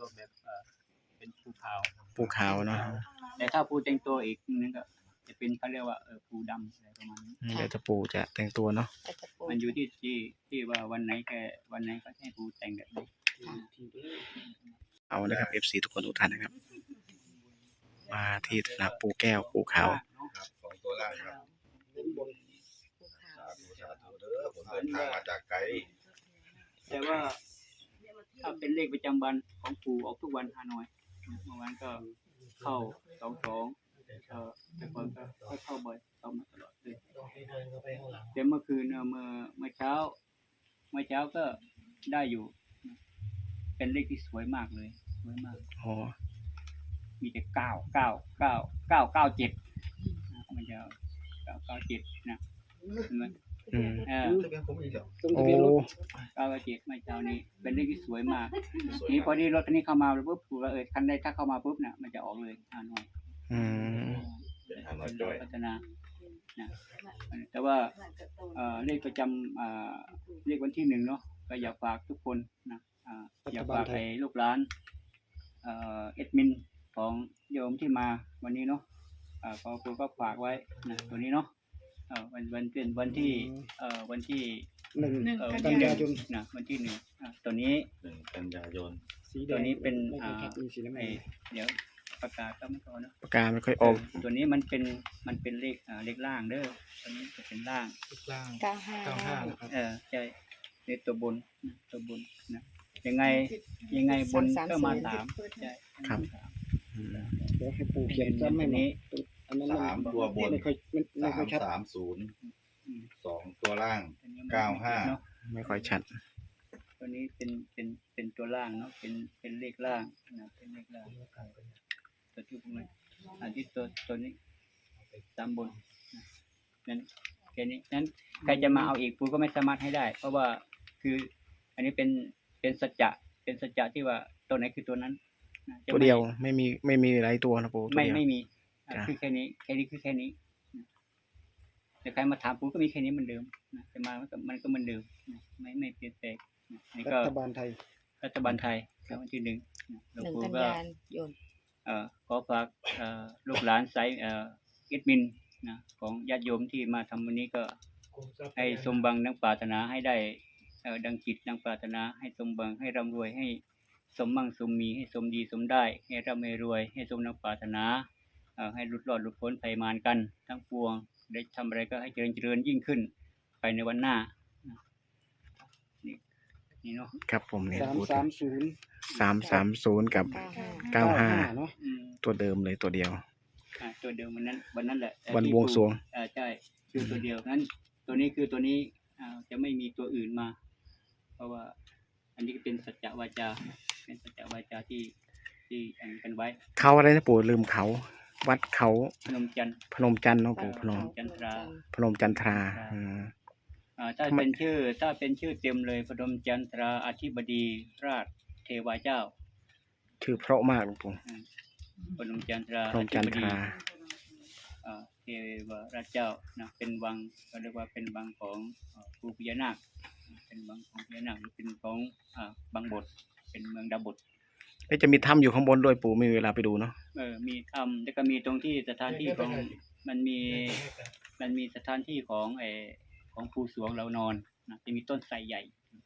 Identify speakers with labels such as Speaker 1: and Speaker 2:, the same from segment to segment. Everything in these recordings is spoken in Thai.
Speaker 1: ตัวแบบเป็นภูขาว
Speaker 2: ปูขาวเนาะ
Speaker 1: แต่ถ้าภูแต่งตัวอีกนึงก็จะเป็นเขาเรียกว่าภูดำอะไรประมาณนี้
Speaker 2: เดี๋ยวจะปูจะแต่งตัวเนาะ
Speaker 1: มันอยู่ที่ว่าวันไหนก็ให้ภูแต่งแบบนี้
Speaker 2: เอานะครับ FC ทุกคนทุกท่านนะครับ มาที่สนามปูแก้วปูขาว
Speaker 3: สองตัวล่างครับสาธุสาธุเด้อผมเดินทางมาจากไกล
Speaker 1: แต่ว่าถ้าเป็นเลขประจำวันของปู่ออกทุกวันฮานอยเมื่อวานก็เข้า22แต่ก่อนก็เข้าบ่อยเข้ามาตลอดเลยแต่เมื่อคืนเมื่อเช้าก็ได้อยู่เป็นเลขที่สวยมากเลยสวยมาก
Speaker 2: อ๋อ
Speaker 1: มีแต่9 9 9 9 9 7มันจะ997นะเห็นไหม
Speaker 2: โอ้
Speaker 1: 997ไม่เช้านี้เป็นเลขที่สวยมากนี่พอดีรถคันนี้เข้ามาปุ๊บปู่ว่าคันใดถ้าเข้ามาปุ๊บน่ะมันจะออกเลยฮานอยพัฒนานะแต่ว่าเลขประจำเลขวันที่1เนาะก็อยากฝากทุกคนนะอยากฝากให้ลูกหลานเอดมินของโยมที่มาวันนี้เนาะขอครูก็ฝากไว้นะตัวนี้เนาะวันเป็นวันที่1 กันยายนนะวันที่1ตัวนี้
Speaker 3: 1 กันยายน
Speaker 1: ตัวนี้เป็นเดี๋ยวปากกาก็ไม่พอเนาะ
Speaker 2: ปากกาไม่ค่อยออก
Speaker 1: ตัวนี้มันเป็นเลขล่างเด้อตัวนี้จะเป็นล่าง
Speaker 4: 95
Speaker 1: นะครับใช่ในตัวบนนะยังไงบนก็มา3ใช่
Speaker 2: ครับ
Speaker 4: เดี๋ยวให้ปู่เขียนซ้ำให้นี้
Speaker 3: 3ตัวบน330 2ตัวล่าง95
Speaker 2: ไม่ค่อยชัด
Speaker 1: ตัวนี้เป็นตัวล่างเนาะเป็นเลขล่างนะเป็นเลขล่างตัวที่พวกนี้ที่ตัวนี้ตามบนนั้นแค่นี้นั้นใครจะมาเอาอีกปู่ก็ไม่สามารถให้ได้เพราะว่าคืออันนี้เป็นสัจจะที่ว่าตัวไหนคือตัวนั้น
Speaker 2: ตัวเดียวไม่มีหลายตัวนะปู่
Speaker 1: ไม่มีคือแค่นี้คือแค่นี้แต่ใครมาถามปู่ก็มีแค่นี้เหมือนเดิมจะมามันก็เหมือนเดิมไม่เปลี่ยนแปลงนี่ก็
Speaker 4: รัฐบาลไทย
Speaker 1: วันที่1หลวงปู่
Speaker 4: ก็
Speaker 1: ขอฝากลูกหลานไซเอดมินนะของญาติโยมที่มาทำวันนี้ก็ให้สมบังดังปรารถนาให้ได้ดังจิตดังปรารถนาให้สมบังให้ร่ำรวยให้สมมั่งสมมีให้สมดีสมได้ให้ร่ำให้รวยให้สมดังปรารถนาให้หลุดรอดหลุดพ้นภัยมารกันทั้งปวงได้ทำอะไรก็ให้เจริญยิ่งขึ้นไปในวันหน้านี่เนาะ
Speaker 2: ครับผมเนี่ย
Speaker 4: 330
Speaker 2: กับ95เนาะตัวเดิมเลยตัวเดียว
Speaker 1: ตัวเดิมวันนั้นแหละ
Speaker 2: วันบวงสรวง
Speaker 1: ใช่คือตัวเดียวนั้นตัวนี้คือตัวนี้จะไม่มีตัวอื่นมาเพราะว่าอันนี้เป็นสัจจวาจาที่อันกันไว้
Speaker 2: เขาอะไรนะปู่ลืมเขาวัดเขา
Speaker 1: พนมจันทร์
Speaker 2: เนาะปู่พนมจันทรา
Speaker 1: ถ้าเป็นชื่อเต็มเลยพนมจันทราอธิบดีราชเทวาเจ้า
Speaker 2: ชื่อเพราะมากหลวงปู่
Speaker 1: พนมจันทราเทวราชเจ้านะเป็นวังก็เรียกว่าเป็นวังของปู่พญานาคเป็นวังของพญานาคหรือเป็นของบางบทเป็นเมืองดาบท
Speaker 2: จะมีถ้ำอยู่ข้างบนด้วยปู่มีเวลาไปดูเนาะ
Speaker 1: มีถ้ำแล้วก็มีตรงที่สถานที่ของมันมีสถานที่ของปู่สวงเรานอนนะจะมีต้นไทรใหญ่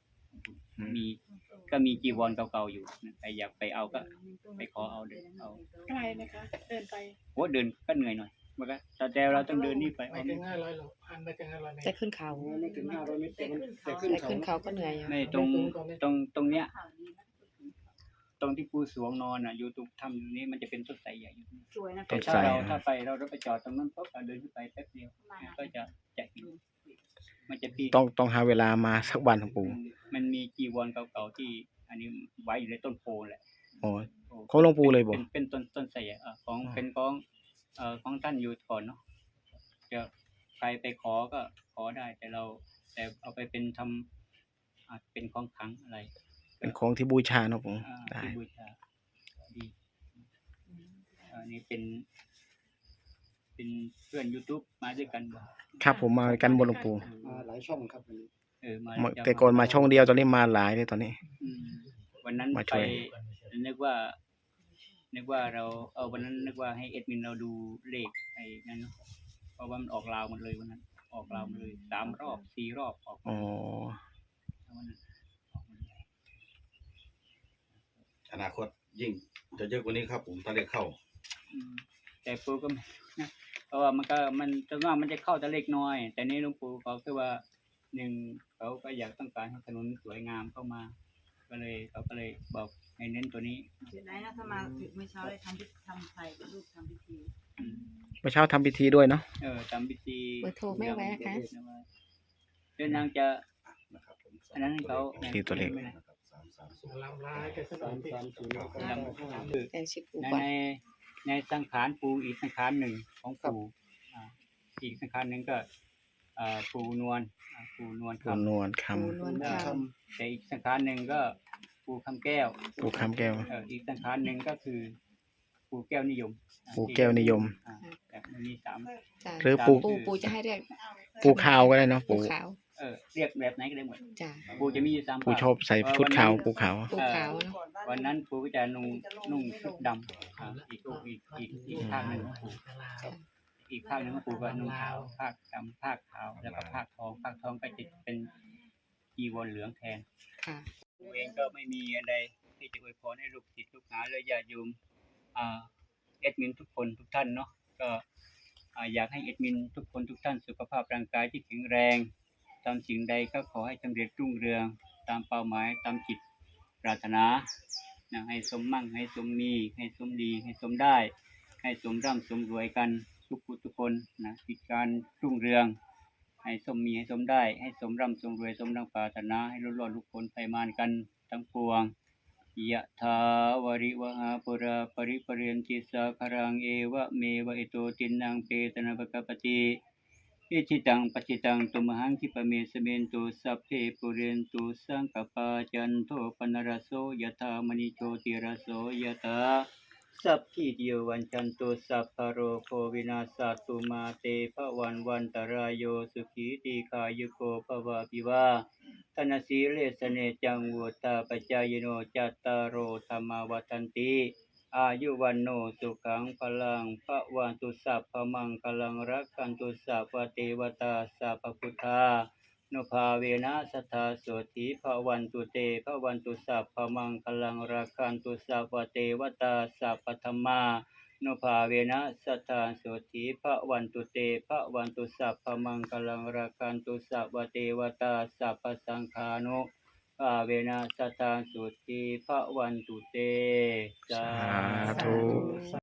Speaker 1: ก็มีจีวรเก่าๆอยู่ใครอยากไปเอาก็ไปขอเอาเดินเอา
Speaker 4: ไกลไหมคะเดินไป
Speaker 1: เดินก็เหนื่อยหน่อยมันก็แต่เราต้องเดินนี่ไป
Speaker 4: ไม่ถึง500หรอกจะขึ้นเขาไม่ถึง500เมตรแต่ขึ้นเขาก็เหนื่อย
Speaker 1: ไม่ตรงเนี้ยตรงที่ปู่สวงนอนอยู่ตรงถ้ำนี้มันจะเป็นต้นไทรใหญ่อยู่
Speaker 4: สวยนะ
Speaker 1: ถ้าไปเราไปจอดตรงนั้นปุ๊บเดินขึ้นไปแป๊บเดียวก็จะเห็นมันจะ
Speaker 2: ต้องหาเวลามาสักวันของปู่
Speaker 1: มันมีจีวรเก่าๆที่อันนี้ไว้อยู่ในต้นโพแหละ
Speaker 2: เขาหลวงปู่เลยบ่
Speaker 1: เป็นต้นไทรของเป็นของท่านอยู่ก่อนเนาะจะใครไปขอก็ขอได้แต่เอาไปเป็นทำเป็นของขลังอะไร
Speaker 2: เป็นของที่บูชาเนาะผมได้
Speaker 1: บูชาดีนี่เป็นเพื่อน YouTube มาด้วยกัน
Speaker 2: ครับผมมากันบนหลวงปู่
Speaker 4: หลายช่องครับ
Speaker 2: แต่ก่อนมาช่องเดียวตอนนี้มาหลายเลยตอนนี้
Speaker 1: วันนั้นนึกว่าเราวันนั้นนึกว่าให้เอดมินเราดูเลขไอ้นั่นเนาะเพราะว่ามันออกลาวหมดเลยวันนั้นออกลาวหมดเลย3 รอบ 4 รอบออก
Speaker 2: อ๋อ
Speaker 1: วันนั้นออกหมดเลย
Speaker 3: อนาคตยิ่งจะเยอะกว่านี้ครับผมถ้าเลขเข้า
Speaker 1: แต่ปู่ก็ไม่นะเพราะว่ามันจะว่ามันจะเข้าแต่เล็กน้อย แต่นี่หลวงปู่เขาคือว่าเขาก็อยากต้องการให้ถนนสวยงามเข้ามาเขาก็เลยบอกให้เน้นตัวนี้
Speaker 5: เดี๋ยวไหนนะถ้ามาถึงเมื่อเช้าได้ทำไข่กับลูกทำพิธี
Speaker 2: เมื่อเช้าทำพิธีด้วยเนาะ
Speaker 1: ทำพิธี
Speaker 6: เบอร์โทรแม่ไว้นะคะ
Speaker 1: เดี๋ยวนางจะ
Speaker 3: นะครับผม
Speaker 1: อันนั้นให้เขา
Speaker 2: ที่ตัวเลข
Speaker 3: นะครับ330
Speaker 4: ลำลายกันสักหน่อยที่
Speaker 6: แอนชิปู
Speaker 1: ใน
Speaker 6: ก่อน
Speaker 1: ในสังขารปู่อีกสังขารหนึ่งของปู่อีกสังขารหนึ่งก็ปู่นวลปู่นวล
Speaker 2: ปูนวลค
Speaker 6: ปูนวลค
Speaker 1: แต่อีกสังขารหนึ่งก็ปู่คำแก้ว
Speaker 2: ำปูคำแก้ว
Speaker 1: อีกสังขารหนึ่งก็คือปู่แก้วนิยม
Speaker 2: ปู่แก้วนิยม
Speaker 1: แบบมันมี3
Speaker 6: ำจ้ะ
Speaker 2: หรือปู
Speaker 6: ปูจะให้เรียก
Speaker 2: ปูขาวก็ได้เนาะ
Speaker 6: ปู
Speaker 2: ปู
Speaker 6: ขาว
Speaker 1: เรียกแบบไหนก็ได้หมด
Speaker 6: จ้ะ
Speaker 1: ปู่จะมีอยู่3
Speaker 2: ปูชอบใส่ชุดขาวปูขาว
Speaker 6: ปูขาวเนาะ
Speaker 1: วันนั้นปู่ก็จะนุ่งชุดดำอีกข้างหนึ่งของปู่อีกข้างหนึ่งของปู่ก็นุ่งขาวภาคดำภาคขาวแล้วก็ภาคทองก็จะเป็นจีวรเหลืองแทน
Speaker 6: ค่ะ
Speaker 1: ผมเองก็ไม่มีอะไรที่จะอวยพรให้ลูกศิษย์ลูกหาและญาติโยมเอดมินทุกคนทุกท่านเนาะก็อยากให้เอดมินทุกคนทุกท่านสุขภาพร่างกายที่แข็งแรงทำสิ่งใดก็ขอให้สำเร็จรุ่งเรืองตามเป้าหมายตามจิตปรารถนานะให้สมมั่งให้สมมีให้สมดีให้สมได้ให้สมร่ำสมรวยกันทุกผู้ทุกคนนะกิจการรุ่งเรืองให้สมมีให้สมได้ให้สมร่ำสมรวยสมดังปรารถนาให้รอดลุกพ้นภัยมารกันทั้งปวงยะถาวริวหาปุราปริปเรนติสาคารังเอวะเมวะอิโตตินังเปตนะภะคะปะติอิจิตังปัจจิตังตุมหังคิปะเมสเมนตุสัพเพปุเรนตุสังกปาจันโทปนรสโสยะถามณิโชติรสโสยะถาสัพพิติโยวันจันตุสัพพะโรโควินาศตุมาเตภวันตรายโยสุขีติขายุโกภวะปิวาธนสีเลสเนจังวุตาปจายโนจัตตารโอธรรมวัฏันติอายุวันโนสุขังพลังพระวันตุสัพพมังคลังรักขันตุสัพพเทวตาสัพพพุทธานุภาเวนะสัทธาโสติพระวันตุเตพระวันตุสัพพมังคลังรักขันตุสัพพเทวตาสัพพธรรมานุภาเวนะสัทธาโสติพระวันตุเตพระวันตุสัพพมังคลังรักขันตุสัพพเทวตาสัพพสังฆานุภาเวนะสัทธาโสติพระวันตุเต
Speaker 2: สาธุ